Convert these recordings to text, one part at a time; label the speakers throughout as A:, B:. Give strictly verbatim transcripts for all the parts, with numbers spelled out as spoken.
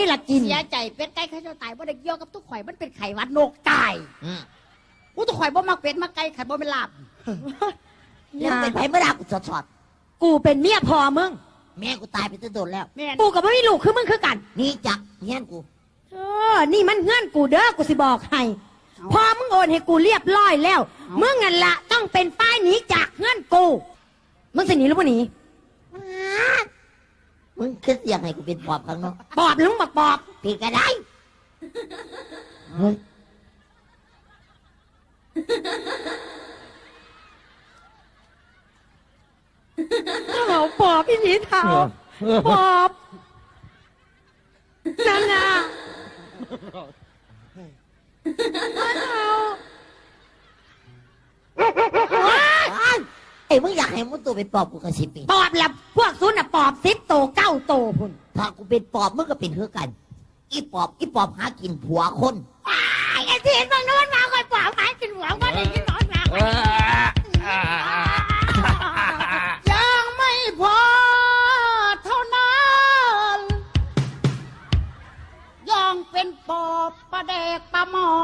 A: นี่ละกิน
B: เสียใจเป็ดไก่ข้าเจ้าตายบ่ได้เกี่ยวกับทุกข่อยมันเป็นไข่วัดนกตายกูทุกข่อยบ่มักเป็ดมักไก่ไข่บ่เป็นลาบ
C: แล้วเป็นไผเมื่อไรกูสอด
A: กูเป็นเมียพอมึง
C: แม่กูตายไปตั้งโดนแล้ว
A: กูกับไม่มีลูกคือมึงคือกัน
C: นี่จักเงี้ยกู
A: เออนี่มันเงื่อนกูเด้อกูสิบอกให้พอมึงโอนให้กูเรียบร้อยแล้วมึงนั่นละต้องเป็นป้ายหนีจากเงื่อนกูมึงสิหนีหรือไม่หนี
C: มึงคิดอยากให้กูเป็นปอบข้างนอก
A: ปอบหรือมึงบอกปอบ
C: ผิดก็ได้เฮ้ย
A: เขาปอบพี่หนีเท้าปอบนั่นน่ะ
C: ไอ้มึงอยากให้มึงตัวเป็นปอบกูกระสิบปี
A: ปอบแหละพวกซุนน่ะปอบสิบโตเก้าโตพุ่น
C: ถ้ากูเป็นปอบมึงก็เป็นเท่ากันอีปอบอีปอบหากินผัวคน
A: ไอ้ที่มันนู้นมาคอยปอบหากินผัวคนไอ้ที่นอนมา
B: ยังไม่พอเท่านั้นยังเป็นปอบประเดกปลาหมอ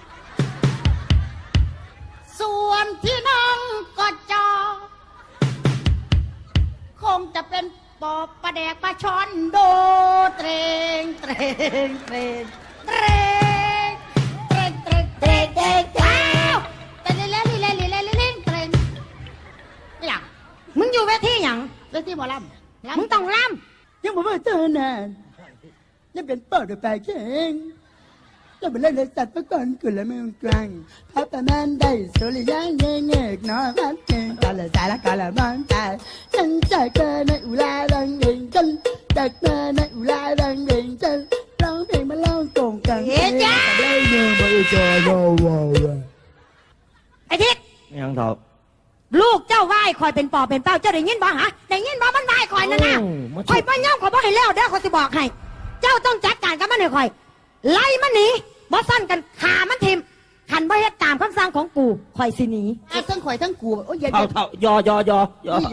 B: ส่วนที่นั่งก็จอคงจะเป็นปอบประแดกปลาช้อนโดเตรงเตรงเตรงเตรงเตรงเตรงเตรงเตรงเตรงเตรงเล่นเล่นเล่นเล่นเล่นเตรงไม่หลัง
A: มึงอยู่เวทีหยัง
B: เวทีหมอล
A: ำมึงต้องล
B: ำยังบอกว่าเจอนานยังเป็นปอบด้วยไปเก่งจะไปเล่นในสัตว์ประกอบกุลเมืองกลางพระประมาณได้สุริยะเงยเงยน้อยพัดเก่งกาละสายละกาละบางตายฉันจากเธอในอุลาดังเองฉันจากเธอในอุลาดังเองฉันร้องเพลงมาเล่าโกงกัน
A: เฮ้ยจ้า
B: ได้เงินบริจาคว้าว
A: ไอ้ทิศ
D: ยังเถอะ
A: ลูกเจ้าไหว้คอยเป็นปอบเป็นเป้าเจ้าได้ยินบ่ฮะได้ยินบ่มันไหว้คอยนั่นน่ะคอยป้าย่อมคอยบ่ให้แล้วเด้อคอยสิบอกให้เจ้าต้องจัดการกับมันให้คอยไล่มันหนีบ่สั้นกันขามันทิมขันบ่เฮ็ดตามคำสั่งของกูคอยสิหนี
B: ทั้งข่อยทั้งกูโอ้ยอย่า
D: เท่าเท่ายอยอยอยอ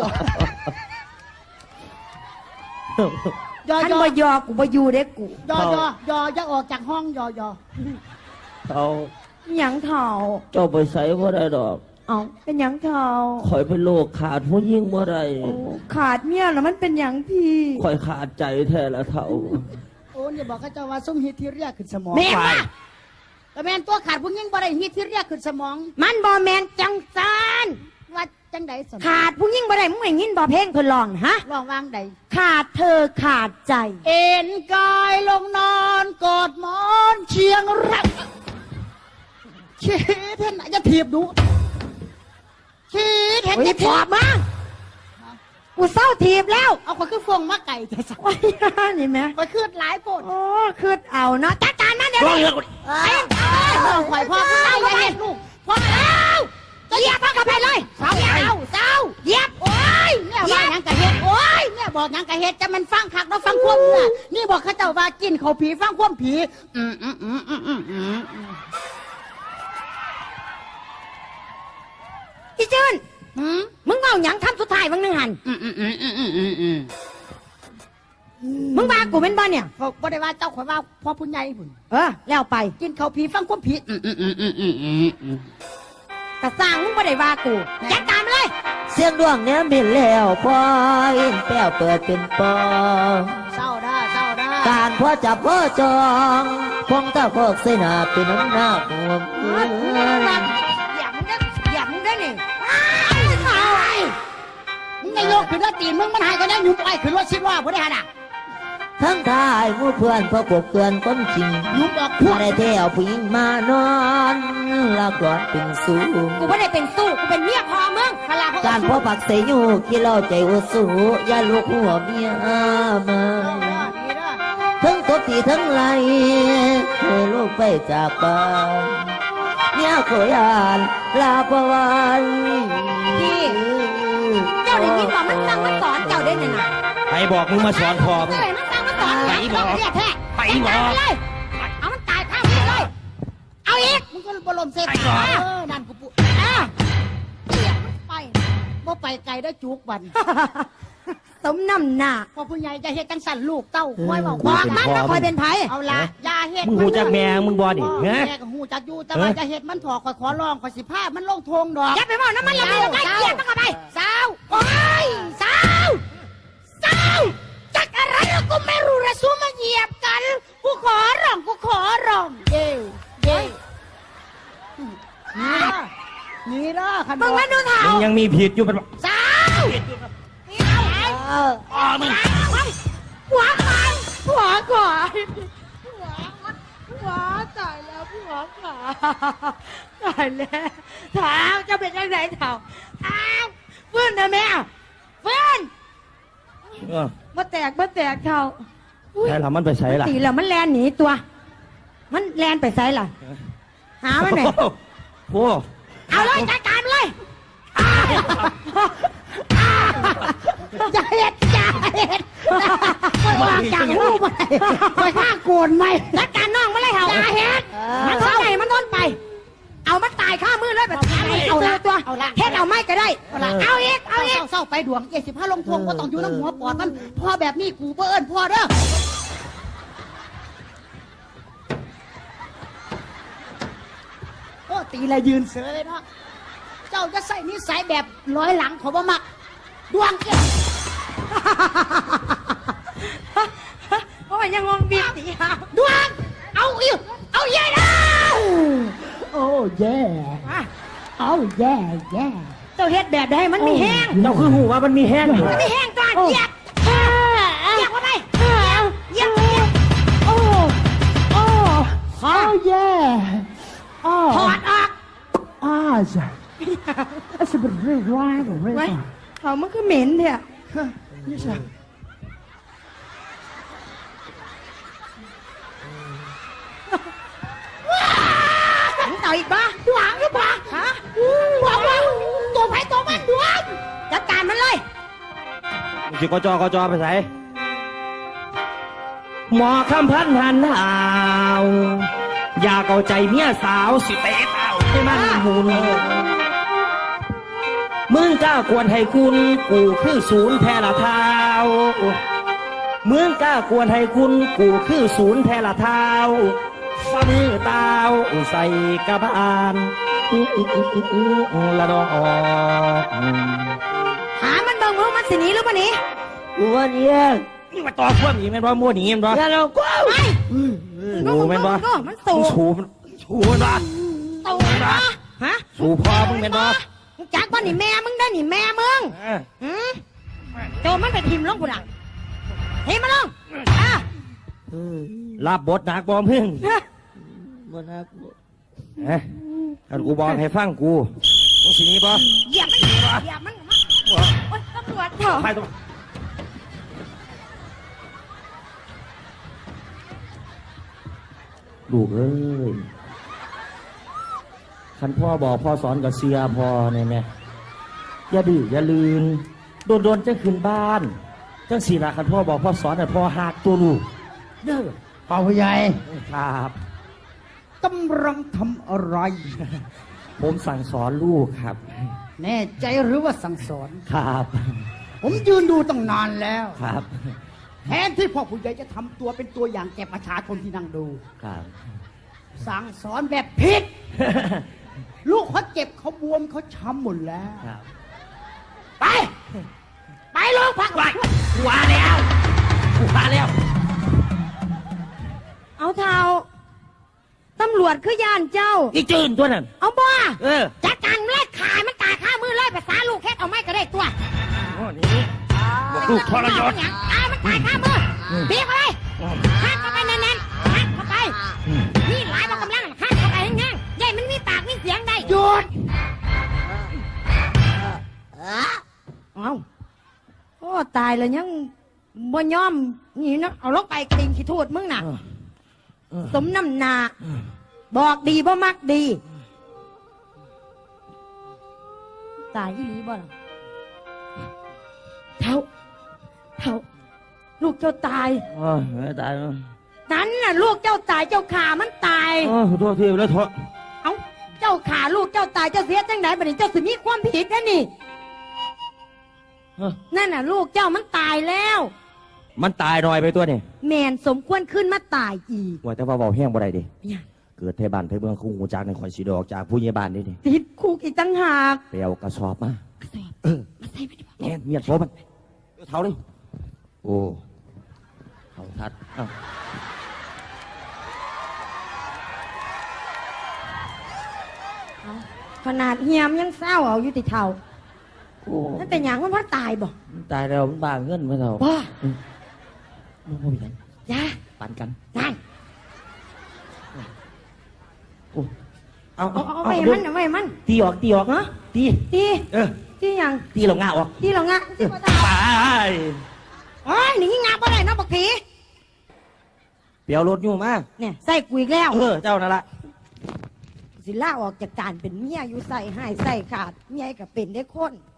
A: ขันบ่ยอกูบ่อยู่เด้กู
B: ยอยอยออย่าออกจากห้องยอยอ
D: เท่า
A: หยังเท่า
D: เจ้าไปใส่บ่ได้ดอก
A: เอ้าเป็นหยังเท่า
D: ข่อยเป็นโรคขาดผู้ยิ่งบ่ได้
A: ขาดเมียแล้วมันเป็นหยังพี่
D: ข่อยขาดใจแท้ละเท่า
B: โอ้ยบอกข้าเจ้าว่าส้มฮิตที่เรียกขึ้นสมอง
A: แม่ว่า
B: แต่แมนตัวขาดผู้ยิ่งบ่ได้ฮิตที่เรียกขึ้นสมอง
A: มันบ่แมนจังซาน
B: ว่าจังใดสม
A: ขาดผู้ยิ่งบ่ได้มึงไม่ยินบ่เพลงเพิ่นร้องฮะ
B: ร้องวางใด
A: ขาดเธอขาดใจ
B: เอ็นกายลงนอนกอดหมอนเชียงรักเชิดเห็นไหนจะถีบดูชีดเห็นจะ
A: ถีบมากูเศร้าถีบแล้ว
B: เอาไปขึ้นฟงมาไก่จะสัก
A: นี่ไหม
B: ไปขึ้นหลายปน
A: โอ้ขึ้นเอาเนาะจัดการมันเดี๋ยวนี้
B: ไอ้ข่อยพ่อขึ้นได้ยังไงลูกพ่อแล้ว
A: จะเหยียบพ่อกลับไปเลย
B: เศร้าเศร้าเศร้า
A: เหยียบ
B: โอ้ยเนี่ยว่ายังกะเฮ็ดโอ้ยเนี่ยบอกยังกะเฮ็ดจะมันฟังคักแล้วฟังควบน่ะนี่บอกข้าเจ้าว่ากินเขาผีฟังควบผีอืมอืมอืมอืมอืมอืม
A: พี่จืนมึงเอาหยังทำสุดท้ายมึงนึงหันมึงว่ากูเป็นบ้านเนี่ย
B: บ่ได้ว่าเจ้าข่อยว่าพ่อผู้ใหญ่พุ่น
A: เออแล้วไป
B: กินเขาผีฟังความผี
A: กระสร้างมึงบ่ได้ว่ากูจัดการมาเลย
C: เสียงดวงเนี้ยมินแล้วพออินแป้วเปิดเป็นปอ
B: เศร้าได้เศร้าได้
C: การพ่อจับพ่อจองพงตาพอกเสนาเป็นน้ำหน้าหัว
A: อย่ามึงได้อย่ามึงได้นี่
B: มึงไงโยกขึ้นรถตีนมึงมันหายกันได้หนุ่มไปขึ้นรถชิดว่าผู้ใดหาด่ะ
C: ทั้งทายมูเพื่อนพอปกเตือนก้นจริง
B: หนุ่มออก
C: ผู้ใดเที่ยวผู้หญิงมานอนลากหลอนเป็นสู้
A: กูไม่ได้เป็นสู้กูเป็นเมียพอมึง
C: การพ่อปักเสยอยู่กี่เล่าใจอุสูอย่าลูกหัวเมียมาทั้งตบตีทั้งไล่ให้ลูกไปจากบ้านเนี่ยขอยานลาปวัน
A: พี่เจ้าได้ยินบอกมันสั่งมันสอนเจ้าได้เนี่ยนะ
D: ไปบอกมึงมาสอนพ่อมึง
A: มันสั่งมันสอน
D: ไปบอก
A: ไปบอกเลยเอามันตายข้ามไปเลยเอาอีก
B: มึงก็บอลมเซฟเออนั่นกูปุ๊บไปบ่ไปไกลได้จุกบัน
A: สมน้ำหน้า
B: พ่อผู้ใหญ่จะเฮ็ดจังสั่นลูกเต้าคอยบอก
A: บอ
B: ว่าก
A: มันว่าคอยเป็นไผ
B: เอาละอย่าเฮ็ด
D: มึงหูจักแม่มึงบ่ดิ
B: พ่อ
D: ฮะ
B: แม่ก็หูจักอยู่แต่ว่าจะเฮ็ดมันถอคอยขอร้องคอยสิพามันลงทงดอก
A: อย่าไปบอกน้ำมันละมันละได้เกลียดมันเข้าไป
B: สาว
A: โอ้ยสาวสาวจักอะไรแล้วกูไม่รู้ระสู้มาเหยียบกัน กูขอร้องกูขอร้อง
B: เย้เย้นี่ละนี่ละคัน
A: มึงมาดูเถ่า
D: มึงยังมีผิดอยู่เป็น
A: สาวอ๋อมึงหัวใครหัวขวาหัวหัวตายแล้วหัวขวาตายแล้วเท้าจะเป็นยังไงเท้าอ้าวฟื้นนะแม่ฟื้น
D: เออ
A: มาแตกมาแตกเท้าอุ๊ย
D: ใช่ละมันไปใช้ล่ะ
A: ตีแล้วมันแลนหนีตัว มันแลนไปไซล่ะ หามันหน่อย
D: โอ้
A: เอาเลยจัดการมันเลยอ้าวอ้าวจะเห็ดจะเห็ดไปวางจากหูไปไปฆ่าโกนไหมจัดการน้องมาเลยเหรอจะเห็ดมันทนไหนมันทนไป เอามันตายข้ามือเลยแบบเอาละตัวเฮ็ดเอาไม่ก็ได้เอาอีกเอาอีก
B: เศร้าๆไปดวงเจ็ดสิบห้าลงทงว่าต้องอยู่น้ำหัวปอดมันพ่อแบบนี้กูเปิ้นพ่อเด้อโอ้ตีละยืนเสือเลยเนาะเจ้าจะใส่นิสัยแบบร้อยหลังของบ่มักดวงเจ้า
A: เพราะว่ายังงงบีบตีหา
B: ดวงเอาอีกเอาเย่นะโอ้แย่เอาแย่แย่
A: เจ้าเฮ็ดแบบใดมันมีแห้ง
D: เจ้าคือหูว่ามันมีแห้งอยู่
A: มันมีแห้งก่อนเหยียบเหยียบเข้าไปเหยียบเหยียบโอ้โอ้
B: เอาแย่อ้อ
A: ถอดออก
B: อ้าจ้ะอาจจะเป็นเรื่องร้ายหรือเรื่อง
A: ไว้เขามันคือเหม็นเถอะ
B: นี่จ้ะ
A: มึงต่ออีกบ้าหวังหรือเปล่าฮะหวังว่าตัวไผ่ตัวมันดวงจัดการมันเลย
D: มึงจิกจอกจอไปใส่หมอคำพันหันหาวอยากเอาใจเมียสาวสิเตะเต้าให้มันหุนมึงกล้าควรให้คุณกูคือศูนย์แพร่ละเท้ามึงกล้าควรให้คุณกูคือศูนย์แพร่ละเท้าฝ่ามือเต้าใส่กระบาลอื้ออื้ออื้ออื้ออื้อละดอก
A: หามันเบิ่งว่ามันสิหนีหรือบ่หนี
C: กูว่าเนี่ย
D: นี่มาต่อพวกนี้แม่นบ่มั่วหนีแม่นบ่
C: อย่าเรากู
A: ไป
D: ดูแม่นบ่
A: ดูมันสู
D: มึง
A: ง
D: สูมันสูมันบ่
A: ตูนบ่ฮะ
D: สูพ่อมึงแม่นบ่
A: มึงจักบ่นี่แม่มึงได้นี่แม่มึง
D: เออ
A: หืมโจมมันไปทิมลงกูดังทิมมันลงอ่ะ
D: รับบทหนักบ่มึง
C: บ่นัก
D: เอ้ยถ้ากูบอกให้ฟังกูมึงสิหนีบ่
A: เหยียบมันเหยียบมันมาโอ๊ยตำรวจเถอะ
D: ไปตรงลูกเอ้ยคันพ่อบอกพ่อสอนกับเสียพ่อเนี่ยแม่อย่าดื้ออย่าลืนโดนโดนๆจะขึ้นบ้านจังสีละคันพ่อบอกพ่อสอนน่ะพ่อหักตัวลูกเด้อ
B: พ่อผู้ใหญ่
D: ครับ
B: กำลังทำอะไร
D: ผมสั่งสอนลูกครับ
B: แน่ใจหรือว่าสั่งสอน
D: ครับ
B: ผมยืนดูตั้งนานแล้ว
D: ครับ
B: แทนที่พ่อผู้ใหญ่จะทำตัวเป็นตัวอย่างแก่ประชาชนที่นั่งดู
D: ครับ
B: สั่งสอนแบบผิด ลูกเขาเจ็บเขาบวมเขาช้ำหมดแล้ว
D: ครับ
B: ไป ไปโรงพัก
D: ไปกูว่าแล้วกูว่าแล้ว
A: เอาเท้าตำรวจคือย่านเจ้า
D: อีจืนตัวนั้น
A: เอาบ่
D: เออ
A: จัดการมันเลยขายมันตายข้ามือเลยภาษาลูกแค่เอาไม่ก็ได้ตัว
D: โอ้นี่บอกลูกทรยศ
A: ตายมันตายข้ามือบีบเข้าไปหักเข้าไปแน่นๆหักเข้าไปนี่หลายบอกกำลังหักเข้าไปแห้งๆใหญ่มันมีปากมีเสียงได้หยุดเอาโอ้ตายแล้วยังบ่ยอมนี่นะเอาลงไปติงขี้ทูดมึงน่ะ สมน้ำหนาบอกดีบ่มักดี ตายอีหลีบ่ล่ะเท่าเท่าลูกเจ้าตาย
D: โอ้ยไม่ตายแล้ว
A: นั้นน่ะลูกเจ้าตายเจ้าขามันตาย
D: โอ้ยขอโทษทีแล้วโทษ
A: เอ้าเจ้าขาลูกเจ้าตายเจ้าเสียจังไหนบัดนี้เจ้าสิมีความผิดนะนี่
D: ฮะ
A: นั่นน่ะ ลูกเจ้ามันตายแล้ว
D: มันตายหน่อยไปตัวนี่
A: แมนสมควรขึ้นมาตายอีก
D: ว่าแต่ว่าเบาแห้งบ่ได้ดิ
A: เนี่ย
D: เกิดไทบ้านไทเมืองคู่หูจากในข่อยสีดอกจากผู้ใหญ่บ้านนี่ดิ
A: ติดคุกอีกตั้งหาก
D: ไปเอากระสอบมา
A: กระสอบ
D: เออ
A: มาใส่ไปดีกว่า
D: แง่เมียดโซมันเอาเท้าเลยโอ้เขาทัดเอ้า
A: เอาขนาดเฮียมยังเศร้าเอาอยู่ติเท่า
D: โอ้
A: นั่นเป็นอย่างมันเพราะตายบ่
D: มันตายแล้วมันบ้าเงินมาเท่า
A: บ่
D: มันบ่มีกัน
A: ยา
D: ปันกัน
A: นั่น
D: โอ้เอา
A: เอา
D: เอา
A: เอา
D: เอา
A: ไว้
D: เอา
A: มันเอาไว้มัน
D: ตีออกตีออก
A: ฮะ
D: ตี
A: ตี
D: เออ
A: ตีหยัง
D: ตีเราง่าออก
A: ตีเหรองะตีบ่ได้
D: ตาย
A: โอ้ยหนีงาบ่ได้เนาะบักผี
D: เปียวรถอยู่มา
A: เนี่ยใส่กูอีกแล้ว
D: เออเจ้านั่นละ
A: สิล่าออกจากการเป็นเมียอยู่ใส่ให้ใส่ขาดเมียก็เป็นได้คน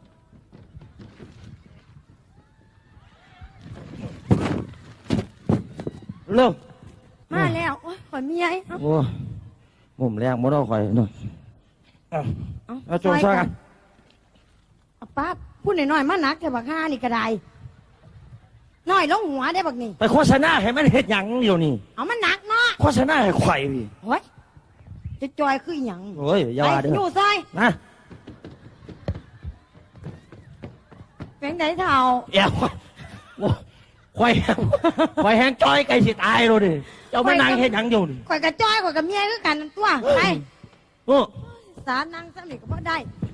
D: เร็ว
A: มาแล้วโอ้ยขอยเมียเอา
D: โอ้มุมแรงมดเอาข่อยหน่อยเอา
A: เอา
D: เอาโจงช่วยกัน
A: เอาป้าพูดหน่อยๆมานักแต่บักห้านี่ก็ได้น้อยลงหัวได้บักนี่
D: ไปโฆษณาให้มันเห็ดหยังอยู่นี่
A: เอามันหนักเนาะ
D: โฆษณาให้ข่อยพี่
A: โอ้ยจะจอยคือหยัง
D: โอ้ยอย่าว่าเด้
A: ไปอยู่
D: อ
A: ซอย
D: นะ
A: เป็นไดเท่า
D: เอ้าโอ้ข่อยข่อยแห้งจ้อยไก่สิตายเลยดิเจ้ามานั่งเห็ดหยังอยู่นี่
A: ข่อยกับจอยข่อยกับเมียคือกันนั่นตัวไป
D: โอ้
A: สารนั่งสนิทก็บ่ได้